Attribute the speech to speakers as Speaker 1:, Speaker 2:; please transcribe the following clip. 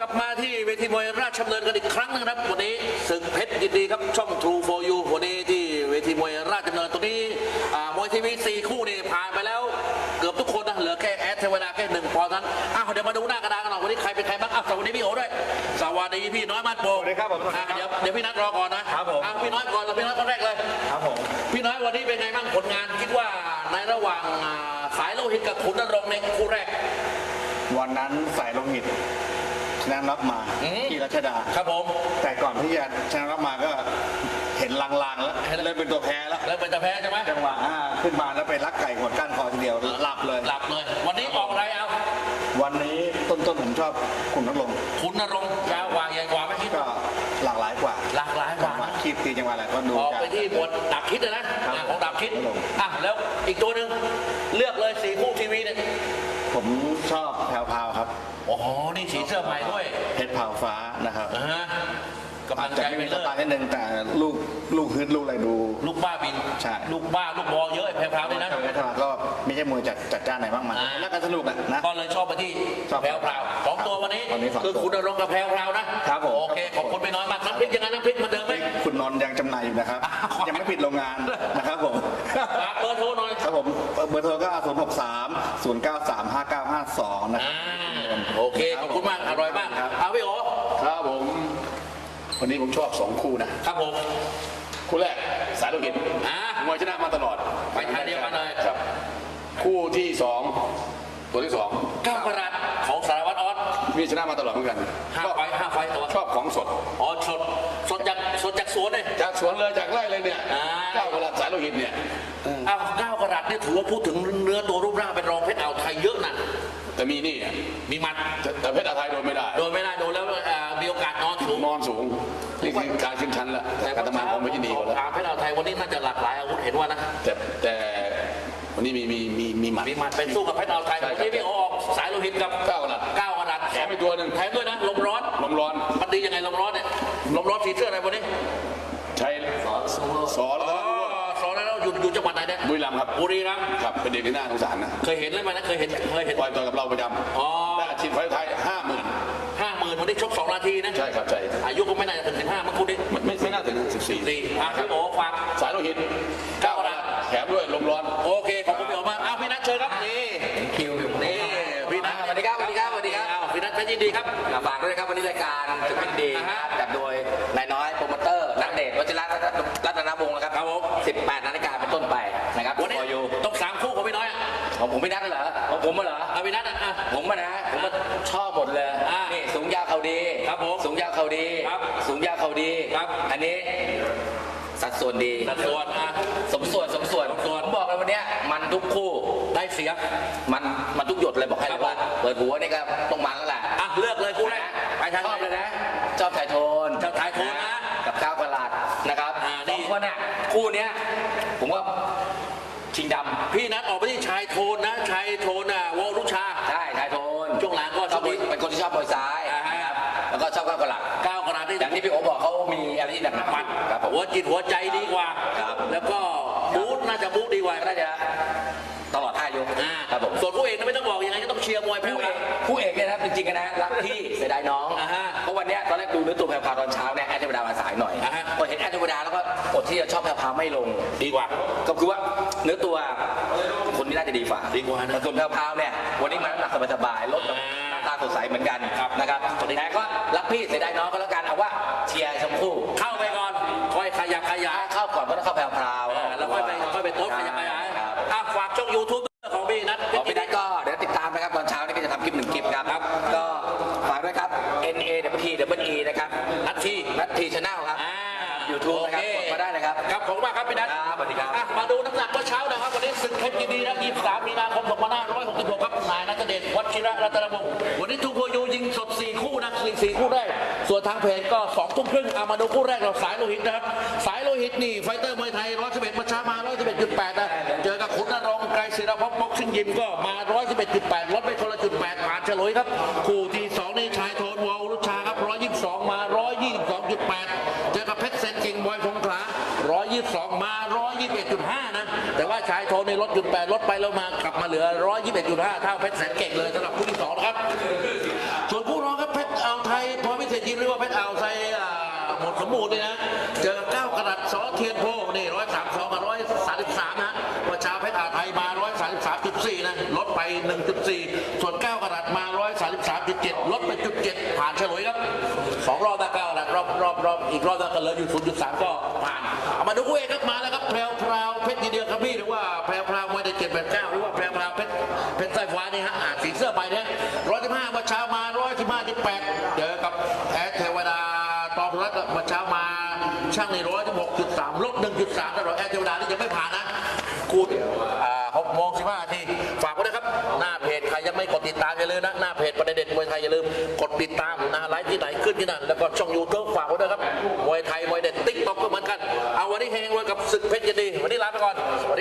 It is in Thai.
Speaker 1: ลับมาที่เวทีมวยราชดำเนินกันอีกครั้งนึงครับวันนี้ศึกเพชรยินดีครับช่อง True for You วันนี้ที่เวทีมวยราชดำเนินตัวนี้มวยทีวี4คู่นี่ผ่านไปแล้วเกือบทุกคนนะเหลือแค่แอดเทวดาแค่1 ปอนด์นั้นเดี๋ยวมาดูหน้ากระดานกันหน่อยวันนี้ใครเป็นใครบ้างสวัสดีพี่โอด้วยสวัสดีพี่น้อยมาดโปส
Speaker 2: วัสดีครับผม
Speaker 1: เดี๋ยวพี่นัทรอก่อนนะครับผมพี่น้อยก่อนแล้วพี่น้อยคนแรกเลย
Speaker 2: ครับผม
Speaker 1: พี่น้อยวันนี้เป็นไงบ้างผลงานคิดว่าในระหว่างสายโลหิตกับขุนนรงค์ในคู่แรก
Speaker 2: วันนั้นสายโลหิตชนะรับมาที่รัชดา
Speaker 1: ครับผม
Speaker 2: แต่ก่อนที่จะชนะรับมาก็เห็นลางๆแล้วเริ่มเป็นตัวแพ้แล้ว
Speaker 1: เป็นตัวแพ้ใช่ไหม
Speaker 2: จังหวะขึ้นมาแล้วไปลักไก่หัวก้านคอทีเดียวหลับเลย
Speaker 1: วันนี้ออกอะไรเอา
Speaker 2: วันนี้ต้นผมชอบขุนนรงค์
Speaker 1: ยาวกว่าใหญ่กว่าไม่คิด
Speaker 2: ก็หลากหลายกว่าคิดตีจังหวะอะไรก็ดู
Speaker 1: ออกไปที่หมวดดับคิดนะของดับคิดแล้วอีกตัวหนึ่งเลือกเลย4 คู่ทีวีเนี่ย
Speaker 2: ผมชอบแพรวๆครับ
Speaker 1: โอ้โหนี่สีเสื้อใหม่ด้วย
Speaker 2: เพชรเผาฟ้านะครับ
Speaker 1: กำลังใจ
Speaker 2: ไม่สไตล์นิดนึงแต่ลูกฮึดลูกอะไรดู
Speaker 1: ลูกบ้าบิน
Speaker 2: ใช่
Speaker 1: ลูกบ้าลูกบอลเยอะแพรวๆเลยนะ
Speaker 2: ก็ไม่ใช่มวยจัดจ้านไหนบ้างมันแล้วกันสนุกนะ
Speaker 1: ก็เลยชอบไปที่แพรวๆ2 ตัววันนี้คือขุนนรงค์กับแพรวๆนะครับโอเคขอบคุณไปน้อยมากน้ำพริกยังไงน้ำพริกมาเดิมไหม
Speaker 2: คุณนนท์ยังจำหน่ายอยู่นะครับยังไม่ปิดโรงงานนะครับผม
Speaker 1: เบอร์โทรหน่อย
Speaker 2: ครับผมเบอร์โทรก็063-093-5952นะครับ
Speaker 1: โอเคขอบคุณมากอร่อยมากเอาพี่โอ
Speaker 3: ครับผมวันนี้ผมชอบ2 คู่นะครับ
Speaker 1: ผม
Speaker 3: คู่แรกสายโลหิตมวยชนะมาตลอด
Speaker 1: ไปทางเดียวกันเลย
Speaker 3: ครับคู่ที่2ตัวที่2
Speaker 1: 9 กรัตของสารวัตรออส
Speaker 3: มีชนะมาตลอดเหมือนกัน
Speaker 1: 5 ไฟตัว
Speaker 3: ชอบของสด
Speaker 1: สดจากสวนเลย
Speaker 3: จากสวนเลยจากไร่เลยเนี่ย9 กรัตสายโลหิตเนี่ย
Speaker 1: 9 กรัตเนี่ยถือว่าพูดถึงเนื้อตัวรูปร่างเป็นรองเพชรอ่าวไทยเยอะนะ
Speaker 3: แต่มีนี่
Speaker 1: มีมัด
Speaker 3: แต่เพชรอ่าวไทยโดนไม่ได้
Speaker 1: โดนแล้วมีโอกาสนอนสูง
Speaker 3: นี่คือการขึ้นชั้นแล้วแต่การทำงานของเพชรยินดีกว่าแล้ว
Speaker 1: เพชรอ่าวไทยวันนี้น่าจะหลากหลายอาวุธเห็นว่านะ
Speaker 3: แต่วันนี้มีหมัด
Speaker 1: เป็นสู้กับเพชรอ่าวไทยที่พี่ออกสายโลหิตกับ
Speaker 3: 9 กรัตแถมไปตัวหนึ่ง
Speaker 1: แถมด้วยนะลมร้อนมันดียังไงลมร้อนเนี่ยลมร้อนสีเสื้ออะไรวันนี้
Speaker 3: ใช้สอน
Speaker 1: แล้วอยู่จังหวัดไหนเนี่ย
Speaker 3: บุรีรัมย์ครับเป็นเด็กที่น่าสงสารนะ
Speaker 1: เคยเห็นเลยไหมนะเคยเห็น
Speaker 3: ปล่อยตัวกับเราประจำได้อาชีพไฟไทย
Speaker 1: 50,000วันนี้ชก2 นาทีนะ
Speaker 3: ใช่ครับใช่
Speaker 1: อายุก็ไม่น่าจะถึง15มันคู่นี้
Speaker 3: ไม่น่าถึง14
Speaker 1: พี่โอ้ฟัง
Speaker 3: สายโลหิต9 กรัตแถมด้วยลมร้อน
Speaker 1: โอเคขอบคุณพี่โอมากพี่นัทเชิญครับนี่
Speaker 4: คิว
Speaker 1: นี่พี่นัท
Speaker 4: สวัสดีครับพี่
Speaker 1: นัทเป็นยินดีครับ
Speaker 4: ฝากด้วยครับวันนี้รายการศึกเพชรดีนะครับจัดโดยนายน้อยโปรโมเตอร์นักเดชวชิระรัตนวงศ์นะครับ
Speaker 1: ผม
Speaker 4: 18 นาฬิกาเป็นต้นไปนะครับ
Speaker 1: วันนี้ต้อง3 คู่ของพี่น้อย
Speaker 4: ของผมพี่นัทเหรอของผมเหรอ
Speaker 1: พี่นัท
Speaker 4: ผมชอบหมดเลยนี่สูงยาวเข่าดี
Speaker 1: ครับผม
Speaker 4: สูงยาวเข่าดีสูงยาวเข่าดี
Speaker 1: ครับ
Speaker 4: อันนี้สัดส่วนดีสมส่วนผมบอกเลยวันนี้มันทุกคู่
Speaker 1: ได้เสีย
Speaker 4: มันทุกหยดเลยบอกให้เลยว่าเปิดหัวนี่ก็ต้องมันแล้วแหละ
Speaker 1: เลือกเลยคู่แรกไปทาง
Speaker 4: ชอบเลยนะชอบถ่ายโทน
Speaker 1: นะ
Speaker 4: กับ9 กรัตนะครับ2 คนคู่นี้ผมว่าชิงดำ
Speaker 1: พี่นัทออกไปที่ชายโทนนะชายโทนวอลลุชา
Speaker 4: ใช่ชายโทน
Speaker 1: ช่วงหลังก็
Speaker 4: ชอบเป็นคนที่ชอบมวยซ้ายนะครับแล้วก็ชอบ9 กรัตอย่างที่พี่โอบอกเขามีอะไรที่หนักมัน
Speaker 1: ครับหัวจิตหัวใจดีกว่าแล้วก็บู๊น่าจะบู๊ดีกว่า
Speaker 4: น่าจะตลอด5 ยก
Speaker 1: ครับผมส่วนคู่เอกไม่ต้องบอกยังไงก็ต้องเชียร์มวย
Speaker 4: คู่เอกเนี่ยนะจริงๆนะรักพี่เสียดายน้องเพราะวันนี้ตอนแรกดูเนื้อตัวแพรวตอนเช้าเนี่ยแอดเทวดามาสายหน่อยพอเห็นแอดเทวดาแล้วก็อดที่จะชอบแพรวไม่ลง
Speaker 1: ดีกว่า
Speaker 4: ก็คือว่าเนื้อตัวคนนี้น่าจะดีกว่า
Speaker 1: นะ
Speaker 4: ส่วนแพรวเนี่ยวันนี้มาน้ำหนักสบายๆลดหน้าตาสดใสเหมือนกันนะครับแต่ก็รักพี่เสียดายน้องก็แล้วกันเอาว่าเชียร์ชมพู่
Speaker 1: เข้าไปก่อนค่อยขยับ
Speaker 4: เข้าก่อนเพราะต้องเข้าแพรว
Speaker 1: แล้วค่อยไปโต๊ะขยับฝากช่อง YouTubeของพี่นัท
Speaker 4: ก็เดี๋ยวติดตามนะครับตอนเช้านี่ก็จะทำคลิป1 คลิปครับก็ฝากด้วยครับ NAWTWE นะครับนัททีชาแนลครับYouTube นะครับกดมาได้นะครับ
Speaker 1: ครับขอบคุณมากครับพี่นัท
Speaker 4: สวัสดีครับ
Speaker 1: มาดูน้ำหนักเมื่อเช้านะครับวันนี้ศึกเพชรยินดีนะ23 มีนาคม 2566ครับนายนัทเดชวชิระรัตนวงศ์วันนี้ทูโพยูยิงสด4 คู่นะ4 คู่แรกส่วนทางเพจก็2 ทุ่มครึ่งมาดูคู่แรกเราสายโลหิตนะครับสายโลหิตนี่ไฟเตอร์มวยไทย111เมื่อเช้ามา111.8นะเจอกับขุนนรงค์ไกรศิรภพบ็อกซิ่งยิมก็มา111.8ลดไปคนละ.8ผ่านเฉลยครับคู่ที่2นี่ชายโทนวอลลุชาครับ122มา122.8เจอกับเพชรเซนเก่งบอยสงขลา122มา121.5นะแต่ว่าชายโทนในลด.8ลดไปแล้วมากลับมาเหลือ121.5เท่าเพชรเซนเก่งเลยสำหรับคู่ที่2นะครับส่วนคู่รองครับเพชรอ่าวไทยพอพิเศษยิมหรือว่าเพชรอ่าวไซหมดสมบูรณ์เลยนะเจอ9 กรัตสอเทียนโพนี่132กับ133นะว่าชาวเพชรอ่าวไทยมา133.4นะลดไป 1.4 ส่วน9 กรัตมา133.7ลดไป 0.7 ผ่านเฉลยครับ2 รอบได้9 กรัตรอบอีกรอบก็เหลืออยู่ 0.3 ก็ผ่านเอามาดูคู่เอกครับมาแล้วครับแพรวพราวเพชรยีเดียครับพี่หรือว่าแพรวพราวมวยได้789หรือว่าแพรวพราวเพชรสายฟ้านี่ฮะสีเสื้อไปเนี่ย115ว่าเช้ามา115.8เจอกับแอดเทวดาตองรัตน์ว่าเช้ามาช่างใน116.3ลบ 1.3แต่แอดเทวดานี่ยังไม่ผ่านนะกู6:15 นาทีฝากไว้นะครับหน้าเพจใครยังไม่กดติดตามอย่าลืมนะหน้าเพจประเด็นมวยไทยอย่าลืมกดติดตามนะไลฟ์ที่ไหนขึ้นที่นั่นแล้วก็ช่องยูทูบฝากไว้ด้วยครับมวยไทยมวยเด็ดติ๊กต็อกก็เหมือนกันเอาวันนี้เฮงรวยกับศึกเพชรยินดีวันนี้ลาไปก่อน